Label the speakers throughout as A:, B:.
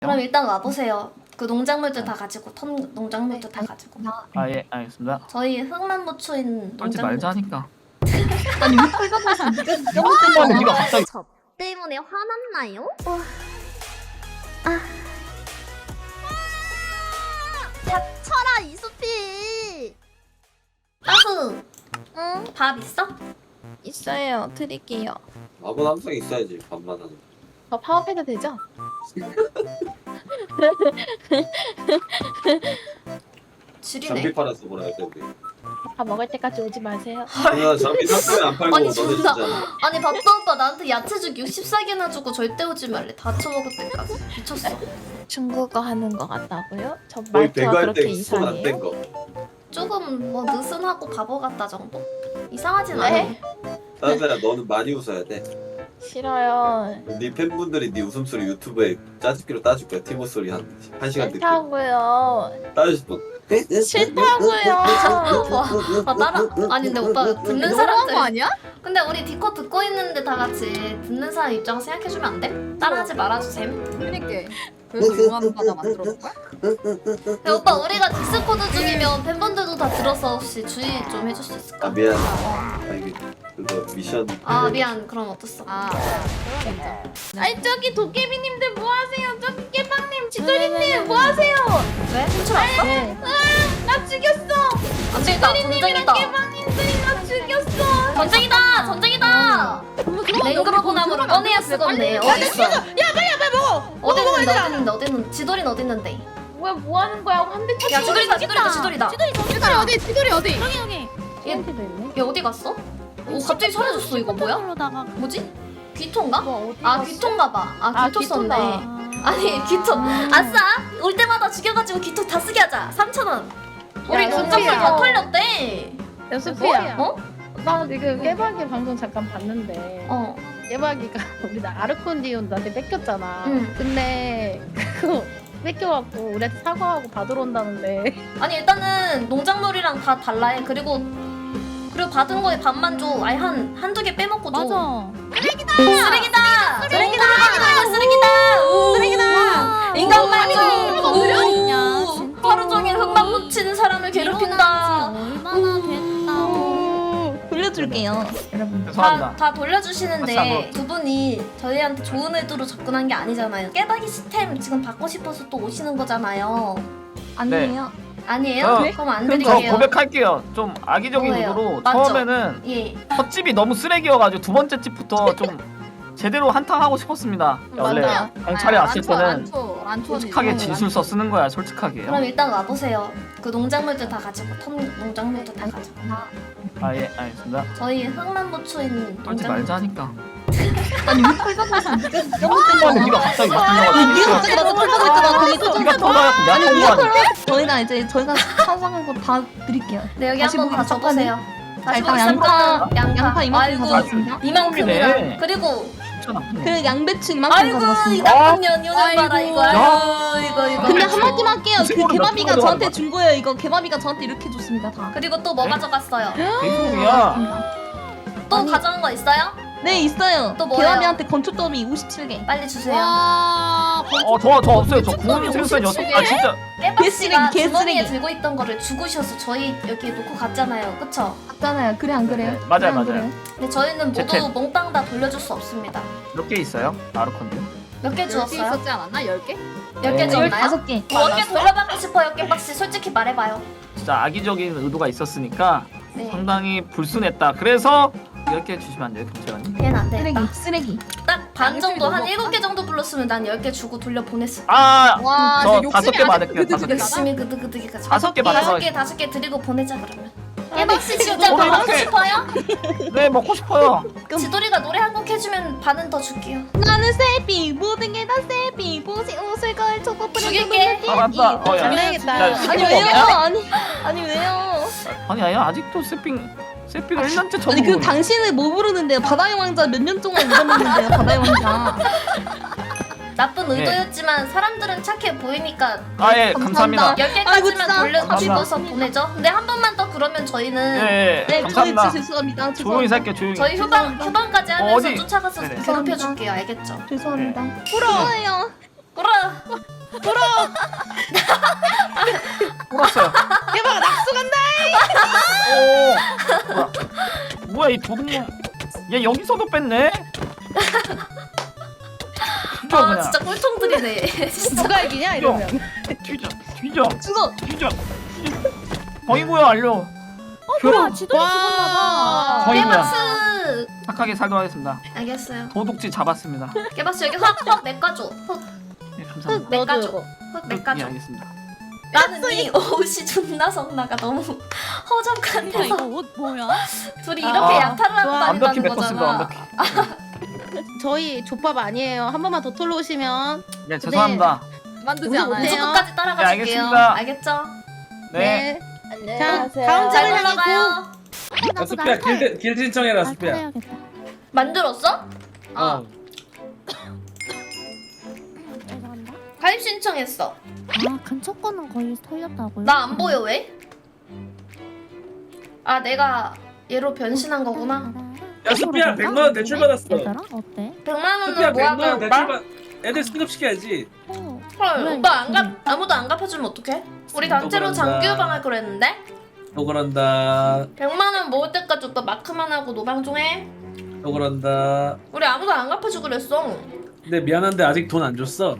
A: 그럼 일단 와보세요. 그 농작물들 다 가지고 농작물들 다 가지고.
B: 아 예 알겠습니다.
A: 저희 흙만 묻혀있는
B: 떨지
A: 농작물.
B: 말자 하니까.
C: 아니 왜 빨간맛이 네가
B: 어, 네가 갑자기
A: 저 때문에 화났나요?
D: 닥쳐라 이수피.
A: 따수
D: 응
A: 밥 있어?
D: 있어요 드릴게요.
E: 밥은 항상 있어야지 밥만 하는.
D: 저 파업해도 되죠?
A: 지리네.
E: 장비 팔아서 뭐라 할 텐데.
D: 밥 먹을 때까지 오지 마세요.
E: 누나 장비 샀으면 안 팔고
A: 아니,
E: 너네
A: 진짜.
E: 주잖아.
A: 아니 밥도 오빠 나한테 야채죽 60삭이나 주고 절대 오지 말래. 다쳐 먹을 때까지. 미쳤어.
D: 중국어 하는 거 같다고요? 저
E: 거의
D: 말투가
E: 배갈
D: 그렇게
E: 때손 안 뗀
D: 이상해요?
E: 거.
A: 조금 뭐 느슨하고 바보 같다 정도? 이상하진
D: 네?
A: 않아.
E: 따뜻야 너는 많이 웃어야 돼.
D: 싫어요.
E: 네 팬분들이 네 웃음소리 유튜브에 짜집기로 따줄 거야. 티모 소리 한 시간 듣기.
D: 싫다고요.
E: 따주실 분.
D: 싫다고요.
A: 아 따라 아니 근데 오빠 듣는 사람들
D: 아니야?
A: 근데 우리 디코 듣고 있는데 다 같이 듣는 사람 입장 생각해주면 안 돼? 따라하지 말아주셈.
C: 그러니까 그래서 용하는 바다 만들어 볼까?
A: 근데 오빠 우리가 디스코드 중이면 팬분들도 다 들어서 혹시 주의 좀 해줄 수 있을까?
E: 아 미안. 아 이게 그거 미션.
A: 아 미안 그럼 어땠어?
D: 아니 저기 도깨비님들 뭐 하세요? 저기 깨방님, 지도리님 뭐 하세요?
A: 왜? 훔쳐 왔어?
D: 나 죽였어.
A: 안 되겠다 전쟁이다
D: 깨방님들이 나 죽였어.
A: 전쟁이다 전쟁이다 맹그로브 나무를 꺼내야 쓰겠네 어딨어?
D: 빨리 먹어.
A: 어디 있는데 어디 있는데 지돌이는 어디 있는데?
D: 뭐야 뭐 하는 거야? 한대 쳐.
A: 야 지돌이다
C: 지돌이 어디? 지돌이 어디?
A: 얘 어디 갔어? 오 갑자기 사라졌어 이거 뭐야? 뭐지? 귀토인가? 아 귀토인가 봐. 아 귀토 썼네. 아니 귀토. 아싸! 올 때마다 죽여가지고 귀토 다 쓰게 하자. 3,000원. 우리 돈장물 다 털렸대.
D: 연수피야.
A: 어?
D: 나 지금 깨박이 방송 잠깐 봤는데
A: 어.
D: 깨박이가 우리 나 아르콘디온 나한테 뺏겼잖아.
A: 응.
D: 근데 그거 뺏겨갖고 우리한테 사과하고 받으러 온다는데.
A: 아니 일단은 농작물이랑 다 달라해. 그리고 받은 거에 반만 줘. 아예 한두 개 빼먹고 줘. 쓰레기다! 쓰레기다! 쓰레기다! 인간 말고 하루 종일 흙만 묻히는 사람을 괴롭힌다.
F: 얼마나 됐다고.
D: 돌려줄게요. 여러분.
B: 죄송합니다.
A: 다 돌려주시는데 두 분이 저희한테 좋은 의도로 접근한 게 아니잖아요. 깨박이 시스템 지금 받고 싶어서 또 오시는 거잖아요.
D: 아니에요.
A: 아니에요?
B: 네.
A: 그럼 안
B: 저
A: 드릴게요.
B: 고백할게요. 좀 악의적인
A: 뭐예요?
B: 의도로
A: 맞죠?
B: 처음에는
A: 예.
B: 첫 집이 너무 쓰레기여가지고 두 번째 집부터 좀 제대로 한탕하고 싶었습니다. 원래
D: 맞아.
B: 경찰에 왔을 때는
C: 안 추워.
B: 솔직하게 진술서 쓰는 거야. 솔직하게.
A: 그럼 일단 와보세요. 그 농작물들 다 가지고 농작물들 다 가지고.
B: 아 예 알겠습니다.
A: 저희 흙만 묻혀있는
B: 떨지
A: 농작물.
B: 말자 하니까.
C: 아니 왜 빨간맛이 네가
B: 아니 네가 갑자기 막
C: 네가
B: 들려가지고.
C: 갑자기 나한테 털라고 했잖아. 거기서
B: 네가 터가지고 내가 터가지고.
G: 저희가 상상한 거 다 드릴게요.
A: 네 여기
G: 다시
A: 한번 다
G: 보기
A: 적으세요. 다시
G: 일단
A: 보기
G: 양파,
A: 시작하면
G: 양파 이만큼
A: 아이고,
G: 가져왔습니다.
A: 이만큼이나.
B: 네.
A: 그리고
G: 그 양배추 이만큼
A: 아이고 이
G: 가져왔습니다.
A: 나쁜 년요는 봐라 이거. 아이고 이거.
G: 근데 한마디만 할게요. 그
B: 생각보다
G: 개마비가
B: 몇
G: 저한테
B: 번
G: 준 거예요. 이거 개마비가 저한테 이렇게 줬습니다. 다.
A: 그리고 또 뭐
B: 네?
A: 가져갔어요?
B: 대소이야.
A: 또
G: 아니.
A: 가져간 거 있어요?
G: 네 있어요.
A: 또 뭐예요?
G: 개마비한테 건축더미 57개.
A: 빨리 주세요.
B: 저 없어요. 저 구운 생선 6. 아 진짜.
A: 깨박씨가
G: 개쓰레기,
A: 주머니에
G: 개쓰레기.
A: 들고 있던 거를 주고 셔서 저희 여기 놓고 갔잖아요. 그쵸?
G: 맞잖아요. 그래 안 그래요?
B: 네, 맞아요,
G: 그래, 안
B: 맞아요.
G: 그래요?
A: 근데 저희는 모두
B: 재택.
A: 몽땅 다 돌려줄 수 없습니다.
B: 몇 개 있어요? 아르콘드.
A: 몇 개
C: 10개
A: 주었어요?
C: 있었지 않았나? 10개?
A: 10개
B: 네.
A: 줬나요?
G: 15개.
A: 몇 개 돌려받고 싶어요, 깨박씨. 솔직히 말해봐요.
B: 진짜 악의적인 의도가 있었으니까
A: 네.
B: 상당히 불순했다. 그래서 이렇게 주시면 안 돼요, 경찰관님?
A: 얘는 안
G: 쓰레기.
A: 되겠다.
G: 쓰레기.
A: 딱 반 정도, 한
C: 욕심이 너무
A: 7개 정도 불렀으면 난 10개 주고 돌려 보냈을
B: 아,
C: 와,
B: 저
C: 욕심이
B: 5개
C: 아직
B: 받을게요.
C: 그득그득
B: 5개.
A: 열심히 그득그득해가지고
B: 5개 받아서.
A: 5개 드리고 보내자 그러면. 깨박씨 진짜
B: 저도
A: 먹고
B: 이렇게-
A: 싶어요?
B: 네, 먹고 싶어요.
A: 지돌이가 노래 한 곡 해주면 반은 더 줄게요.
G: 나는 세비 모든 게 다 세비 보시 옷을 걸쳐
A: 죽일게.
B: 알았다. 야.
D: 잘해야겠다.
B: 야,
G: 아니
B: 이거
G: 왜요?
B: 먹냐?
G: 아니 왜요?
B: 아니 아직도 세핑을 1년째 처음
G: 아니 그
B: 보는
G: 당신은 뭐 부르는데요? 바다의 왕자 몇 년 동안 울었는데요? 바다의 왕자.
A: 나쁜
B: 네.
A: 의도였지만 사람들은 착해 보이니까
B: 아, 예,
G: 감사합니다.
B: 감사합니다.
A: 10개까지만
G: 아이고, 진짜
A: 돌려서
B: 감사합니다.
A: 보내죠. 근데 한 번만 더 그러면 저희는
B: 예, 예,
G: 네,
B: 감사합니다.
G: 저희 죄송합니다.
B: 조용히
G: 죄송합니다.
B: 살게요, 조용히.
A: 저희 휴방까지 하면서
B: 어디?
A: 쫓아가서
B: 네네.
A: 괴롭혀줄게요. 알겠죠?
G: 죄송합니다.
B: 네.
G: 부러워요.
B: 울었어요.
G: 깨방아 낙수 간다.
B: 오. 뭐야 이 도둑놈. 얘 여기서도 뺐네. 뒤져
A: 아
B: 그냥.
A: 진짜 꿀통들이네. 진짜.
G: 누가 이기냐 이러면.
B: 뒤져.
G: 죽어.
B: 뒤져. 거이고요 알려.
F: 뭐야 지도에 죽었나봐.
B: 거이고요.
A: 깨박스.
B: 착하게 살도록 하겠습니다.
A: 알겠어요.
B: 도둑질 잡았습니다.
A: 깨박스 여기 흙 내까줘. 흙
B: 네 감사합니다.
A: 내까줘.
G: 너도
A: 흙
B: 예
A: 내까줘.
B: 알겠습니다.
A: 나는 이 옷이 존나 성나가 너무 허접한
F: 야 이거
A: 데서
F: 옷 뭐야?
A: 둘이 이렇게 약탈을 하고
B: 완벽히
A: 다닌다는
B: 메꿨습니다.
A: 거잖아.
B: 완벽히.
G: 저희 족밥 아니에요. 한 번만 더 털러 오시면.
B: 네 죄송합니다.
C: 만두지
G: 우리
C: 않아요.
G: 어때요?
A: 무조건까지 따라가
B: 네,
A: 줄게요.
B: 알겠습니다.
A: 알겠죠?
B: 네.
G: 자 다음
A: 잘
G: 장을
A: 올라가요.
F: 나도
H: 수피야 길 신청해라 수피야.
F: 해야겠다.
A: 만들었어?
H: 어.
F: 죄송합니다.
A: 가입 신청했어.
F: 아 근처 거는 거의 털렸다고요?
A: 나 안 보여 왜? 아 내가 얘로 변신한 거구나.
H: 야 수피야 100만 원 대출 받았어.
F: 얘들아 어때?
A: 100만
H: 수피야
A: 원은
H: 100만
A: 뭐하까
H: 원 대출
A: 오빠?
H: 받. 애들 승급시켜야지.
A: 헐
F: 왜?
A: 오빠 아무도 안 갚아주면 어떡해? 우리 단체로
H: 그런다.
A: 장기유방 할 거랬는데?
H: 또 그런다.
A: 100만 원 모을 때까지 오빠 마크만 하고 노방 좀 해.
H: 또 그런다.
A: 우리 아무도 안 갚아주고 그랬어.
H: 근데 미안한데 아직 돈 안 줬어.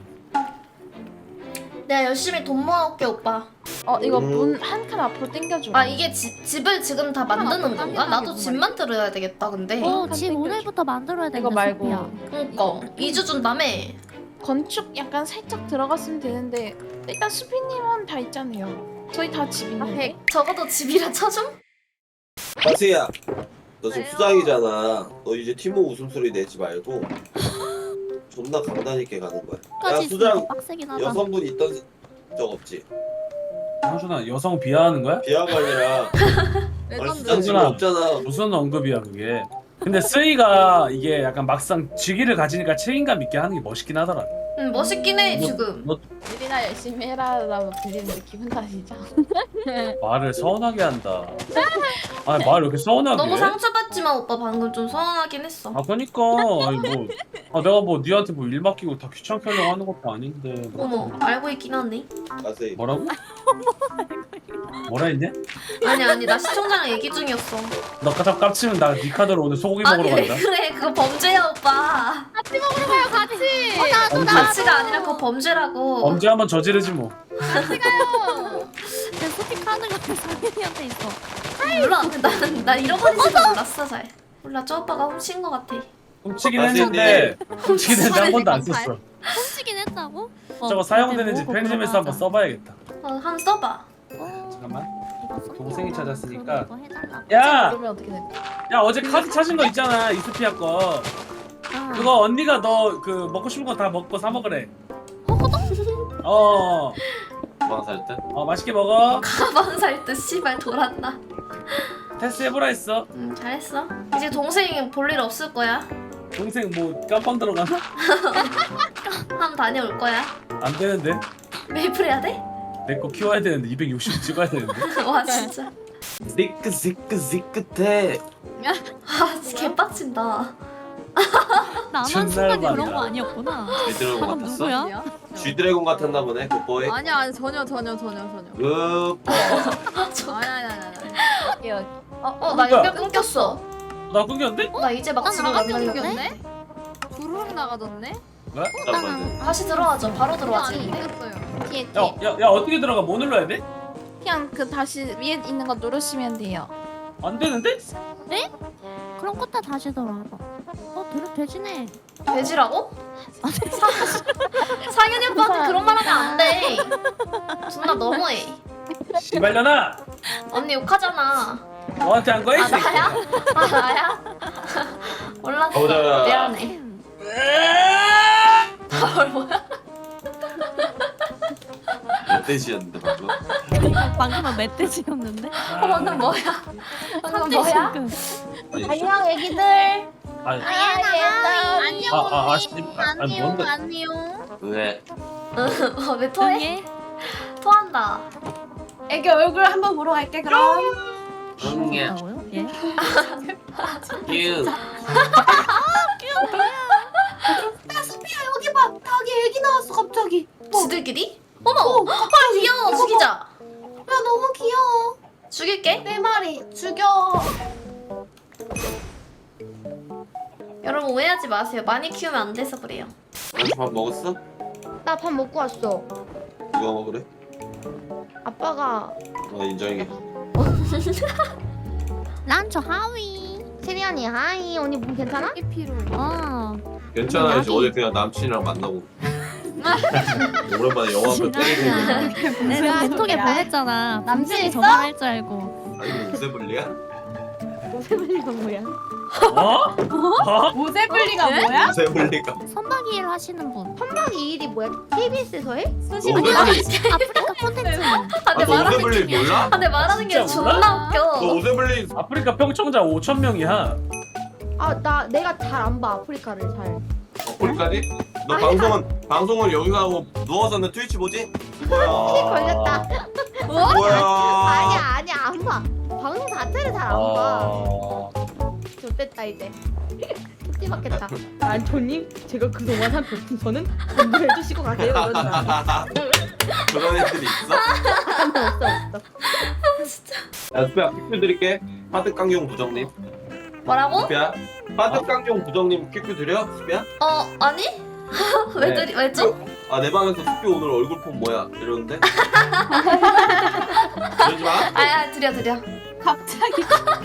A: 내가 열심히 돈 모아올게 오빠.
C: 이거 문 한 칸 앞으로 당겨줘.
A: 아 이게 집을 지금 다 만드는 건가? 나도 집 만들어야 되겠다 근데.
F: 집 오늘부터 만들어야 되는데
C: 이거 말고.
F: 소피야.
A: 그니까 2주 준다며.
C: 건축 약간 살짝 들어갔으면 되는데 일단 수피님은 다 있잖아요. 저희 다 집 있는데.
A: 적어도 집이라 쳐줌?
E: 가세야. 너 지금 수장이잖아. 너 이제 티모 웃음소리 내지 말고 존나 강단 있게 가는 거야. 야
F: 까지
E: 수장
F: 있으니까 빡세긴 하다.
E: 여성분 있던 적 없지?
H: 형준아 여성 비하하는 거야?
E: 비하가 아니라 아니, 수장 지금
H: 형준아.
E: 없잖아.
H: 무슨 언급이야 그게. 근데 스이가 이게 약간 막상 직위를 가지니까 책임감 있게 하는 게 멋있긴 하더라.
A: 응 멋있긴 해 지금.
H: 너
C: 일이나 열심히 해라라고 들리는데 기분 탓이죠.
H: 말을 서운하게 한다. 아니 말을 왜 이렇게 서운하게
A: 너무
H: 해?
A: 상처받지만 오빠 방금 좀 서운하긴 했어.
H: 아 그니까 아니 뭐 내가 뭐 니한테 뭐 일 맡기고 다 귀찮게 하려고 하는 것도 아닌데 뭐.
A: 어머 알고 있긴 하네.
E: 가세.
H: 뭐라고? 뭐라 했냐?
A: 아니 나 시청자랑 얘기 중이었어.
H: 너 가장 깝치면 나 니 카드로 오늘 소고기 먹으러
A: 아니 왜
H: 간다.
A: 그래 그거 범죄야 오빠.
H: 언제?
A: 가치가 아니라 그거 범죄라고.
H: 언제 한번 저지르지 뭐.
F: 내 소피 카드 같은 상현이한테 있어.
A: 몰라. 난 잃어버리지도 몰랐어 잘. 몰라 저 오빠가 훔친 거 같아.
H: 훔치긴
E: 아,
H: 했는데 훔치긴 했는데 한 번도 안 썼어.
F: 훔치긴 했다고?
H: 저거 사용되는지 편집해서 한번 써봐야겠다.
A: 한번 써봐.
H: 잠깐만.
F: 이거 썼냐?
H: 동생이 찾았으니까.
F: 그럼 이거 해달라고.
H: 야!
C: 그러면 어떻게 될까?
H: 야 어제 카드 찾은 거 있잖아 이스피아 거.
F: 아.
H: 그거 언니가 너 그 먹고 싶은 거 다 먹고 사 먹으래. 어.
E: 도망 살 때?
H: 맛있게 먹어.
A: 가방 살 듯 씨발 돌았나.
H: 테스트 해보라 했어.
A: 잘했어. 이제 동생 볼 일 없을 거야.
H: 동생 뭐 깜빵 들어가나?
A: 한 다녀올 거야.
H: 안 되는데.
A: 메이플 해야 돼?
H: 내 거 키워야 되는데 260 찍어야 되는데.
A: 와 진짜.
E: 지긋해.
A: 아 진짜 개빡친다.
F: 나만
H: 존나
F: 순간이
H: 많다.
F: 그런 거 아니었구나.
E: 쥐드래곤
F: 방금
E: 같았어?
F: 누구야?
E: 쥐드래곤 같았나 보네 굿보이.
C: 아니야 전혀.
E: 굿보.
C: 아니.
A: 나 연결 끊겼어.
H: 나 끊겼는데?
A: 나 이제 막
F: 난
A: 집에
F: 나가지
A: 만나려고.
F: 않겠네?
C: 주르륵 나가졌네.
E: 잠깐만.
A: 다시 들어와줘. 바로 들어와지.
C: 이겼어요. 뒤에
H: 야 어떻게 들어가? 뭐 눌러야 돼?
C: 그냥 그 다시 위에 있는 거 누르시면 돼요.
H: 안 되는데?
F: 그럼 끝에 다시 들어와봐. 돼지네.
A: 돼지라고? 상현이 오빠한테 그런 말 하면 안 돼. 존나 너무해.
H: 씨발려나!
A: 언니 욕하잖아.
H: 너한테 한 거야?
A: 아 나야? 아 나야? 몰랐어.
E: 가보자.
A: 미안해. 헐 뭐야?
E: 멧돼지였는데 방금.
F: 방금은 멧돼지였는데?
A: 방금 뭐야? 방금 뭐야? 안녕 애기들.
H: 아니
C: 안녕.
H: 뭔데?
C: 안녕.
E: 왜?
A: 왜 토해?
F: 응애?
A: 토한다.
C: 애기 얼굴 한번 보러 갈게 그럼.
E: 응애.
F: 뭐라고요? 예?
E: 유.
A: 여기 봐. 닭이.
D: 얘기 나왔어 갑자기.
A: 지들끼리? 어머! 아 귀여워! 죽이자!
D: 야 너무 귀여워.
A: 죽일게.
D: 내 말이 죽여.
A: 여러분 오해하지 마세요. 많이 키우면 안 돼서 그래요.
E: 너밥 먹었어?
D: 나 밥 먹고 왔어.
E: 누가 먹으래?
D: 아빠가
E: 인정해.
F: 란초 하위.
D: 세리 언니 하이. 언니 몸 괜찮아?
E: 괜찮아야지. 어제 그냥 남친이랑 만나고 오랜만에 영화 한편 때리고.
F: 내가 벤톡에 보냈잖아.
D: 남친
F: 분명히
D: 있어?
F: 전화할 줄 알고.
E: 아니 뭐 우세블리야?
D: 오세블리가 뭐야?
H: 어?
D: 오세블리가 뭐야?
E: 우세블리가.
F: 선박이 일 하시는 분.
D: 선박 이 일이 뭐야? KBS에서 해?
E: 너 우세블리
F: 아프리카 콘텐츠.
A: 아, 내
E: 너
A: 말하는
E: 우세블리
A: 게
E: 몰라?
A: 아, 내 말하는 게
H: 진짜 몰라?
A: 존나
E: 너
A: 웃겨.
E: 우세블리
H: 아프리카 평청자 5,000명이야.
D: 내가 잘 안 봐 아프리카를 잘.
E: 어플까지? 너 방송은 여기서 하고 누워서는 트위치 보지?
D: 피 걸렸다.
E: 뭐야?
D: 아니야 안 봐. 방송 자체를 잘 안
H: 아.
D: 봐. 좋됐다 이제. 티 맞겠다. 안토님 제가 그동안 한 별풍선은 전부 해주시고 가세요 이런다.
E: 그런 애들이 있어?
D: 없어.
E: 야 수피야 퀴즈 드릴게. 파득강용 부정님.
A: 뭐라고?
E: 수피야 파득강용 부정님 퀴즈 드려? 수피야?
A: 아니? 왜
E: 네.
A: 왜죠?
E: 내 방에서 수피 오늘 얼굴 폰 뭐야? 이러는데? 그러지 마.
A: 드려.
D: 갑자기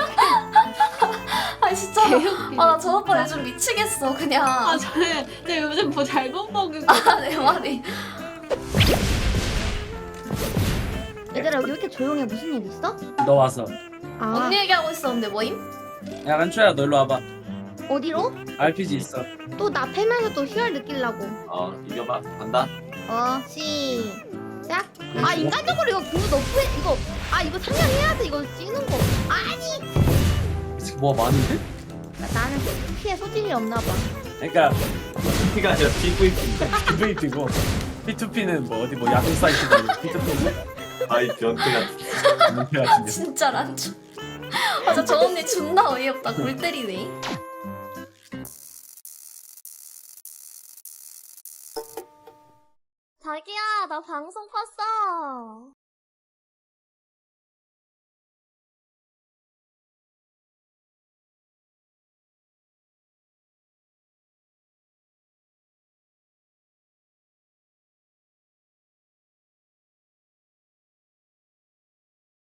A: 아 진짜. 나 저 오빠 요즘 미치겠어 그냥.
D: 저는 요즘 뭐 잘못 먹은
A: 내 말이.
D: 얘들아 여기 왜 이렇게 조용해? 무슨 일 있어?
H: 너 와서.
A: 언니 얘기하고 있었는데 뭐임?
H: 야 란초야 너 일로 와봐.
D: 어디로?
H: RPG 있어.
D: 또 나 패면서 또 희열 느끼려고.
E: 이겨봐. 간다.
D: 시작. 인간적으로 이거 그거 너프해 이거. 이거 상향해야 돼 이거 찌는 거.
H: 뭐가 많은데?
D: 나는 피에 소질이 없나 봐.
H: 그러니까
E: P가 아니라 PVP.
H: PVP고 P2P는 뭐 어디 뭐 야동 사이트 P2P는
E: 아이 변태가.
H: 문제 같은데.
A: 진짜 란초. 맞아 저 언니 존나 어이없다. 골 때리네.
D: 자기야 나 방송 봤어.